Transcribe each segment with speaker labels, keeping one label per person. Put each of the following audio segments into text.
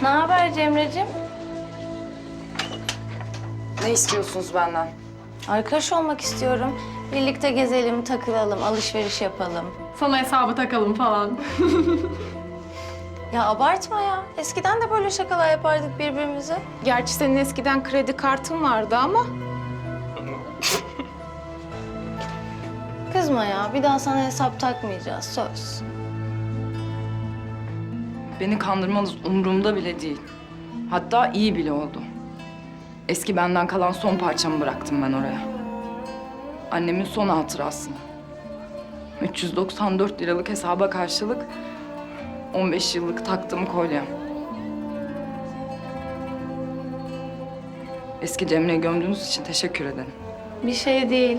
Speaker 1: Ne haber Cemre'cim?
Speaker 2: Ne istiyorsunuz benden?
Speaker 1: Arkadaş olmak istiyorum. Birlikte gezelim, takılalım, alışveriş yapalım.
Speaker 3: Sana hesabı takalım falan.
Speaker 1: Ya abartma ya. Eskiden de böyle şakalar yapardık birbirimize.
Speaker 3: Gerçi senin eskiden kredi kartın vardı ama.
Speaker 1: Kızma ya. Bir daha sana hesap takmayacağız. Söz.
Speaker 2: Beni kandırmanız umurumda bile değil. Hatta iyi bile oldu. Eski benden kalan son parçamı bıraktım ben oraya. Annemin son hatırası. 394 liralık hesaba karşılık 15 yıllık taktığım kolyem. Eski Cemre'yi gömdüğünüz için teşekkür ederim.
Speaker 1: Bir şey değil.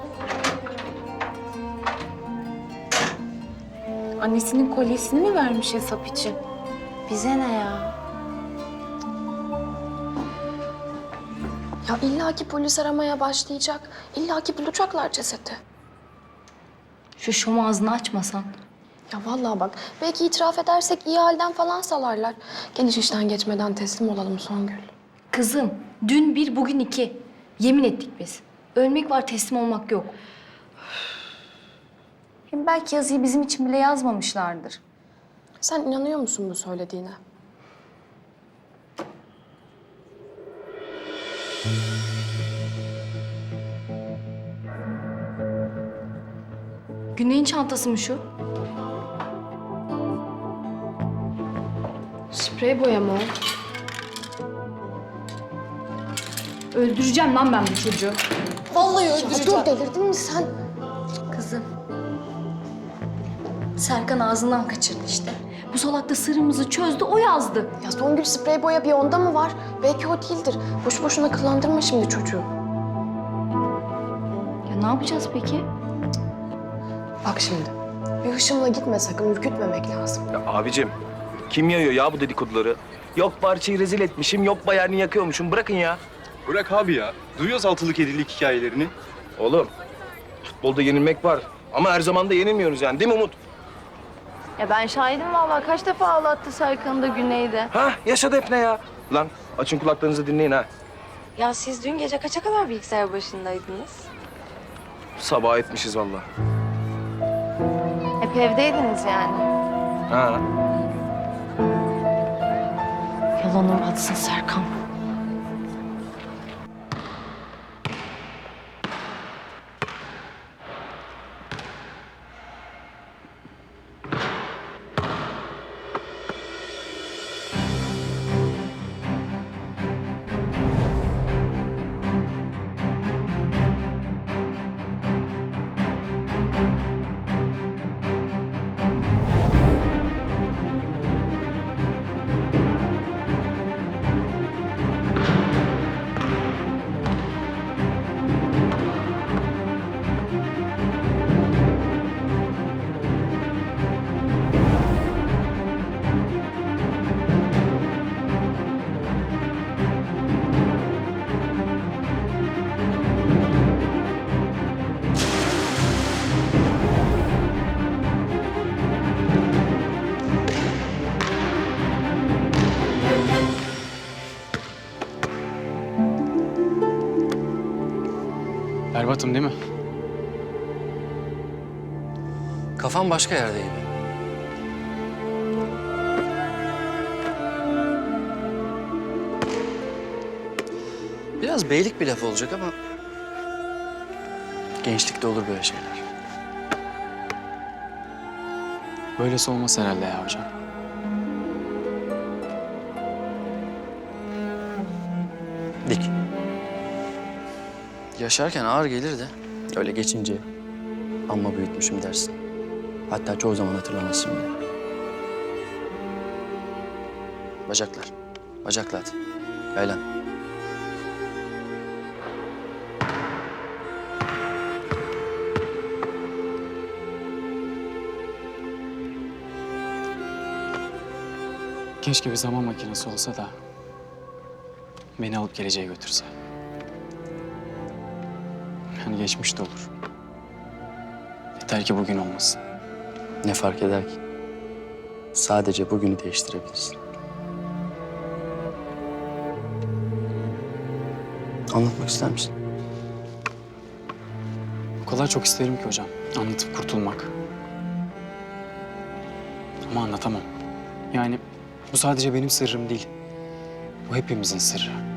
Speaker 3: Annesinin kolyesini mi vermiş hesap için?
Speaker 1: Bize ne ya?
Speaker 4: Ya illaki polis aramaya başlayacak. İllaki bulacaklar cesedi.
Speaker 1: Şu şom ağzını açmasan.
Speaker 4: Ya vallahi bak, belki itiraf edersek iyi halden falan salarlar. Geniş işten geçmeden teslim olalım Songül.
Speaker 5: Kızım, dün bir, bugün iki. Yemin ettik biz. Ölmek var, teslim olmak yok. Hem belki yazıyı bizim için bile yazmamışlardır.
Speaker 4: Sen inanıyor musun bu söylediğine?
Speaker 5: Güney'in çantası mı şu?
Speaker 4: Sprey boya mı?
Speaker 5: Öldüreceğim lan ben bu çocuğu.
Speaker 4: Vallahi öldüreceğim. Dur, delirdin mi sen?
Speaker 5: Kızım. Serkan ağzından kaçırdı işte. Bu salak da sırrımızı çözdü, o yazdı.
Speaker 4: Ya Songül, sprey boya bir onda mı var? Belki o değildir. Boş boşuna kıllandırma şimdi çocuğu.
Speaker 5: Ya ne yapacağız peki?
Speaker 4: Bak şimdi, bir hışımla gitme sakın, ürkütmemek lazım.
Speaker 6: Ya abicim, kim yayıyor ya bu dedikoduları? Yok parçayı rezil etmişim, yok bayağı yakıyormuşum. Bırakın ya.
Speaker 7: Bırak abi ya. Duyuyoruz altılık yedilik hikayelerini.
Speaker 6: Oğlum, futbolda yenilmek var. Ama her zaman da yenilmiyoruz yani, değil mi Umut?
Speaker 1: Ya ben şahidim vallahi. Kaç defa ağlattı Serkan'ı da Güney'de.
Speaker 6: Ha, yaşa Defne ya. Lan açın kulaklarınızı dinleyin ha.
Speaker 1: Ya siz dün gece kaça kadar bilgisayar başındaydınız?
Speaker 6: Sabah etmişiz vallahi.
Speaker 1: Hep evdeydiniz yani.
Speaker 6: Ha.
Speaker 5: Yalanım atsın Serkan.
Speaker 8: Berbatım değil mi?
Speaker 9: Kafam başka yerde gibi. Biraz beylik bir laf olacak ama... gençlikte olur böyle şeyler.
Speaker 8: Böylesi olmaz herhalde ya hocam.
Speaker 9: Dik. Yaşarken ağır gelir de öyle geçince amma büyütmüşüm dersin. Hatta çoğu zaman hatırlamazsın bile. Bacaklar. Bacaklar hadi. Yaylan.
Speaker 8: Keşke bir zaman makinesi olsa da beni alıp geleceğe götürse. Yani geçmiş de olur. Yeter ki bugün olmasın.
Speaker 9: Ne fark eder ki? Sadece bugünü değiştirebilirsin. Anlatmak ister misin?
Speaker 8: O kadar çok isterim ki hocam. Anlatıp kurtulmak. Ama anlatamam. Yani bu sadece benim sırrım değil. Bu hepimizin sırrı.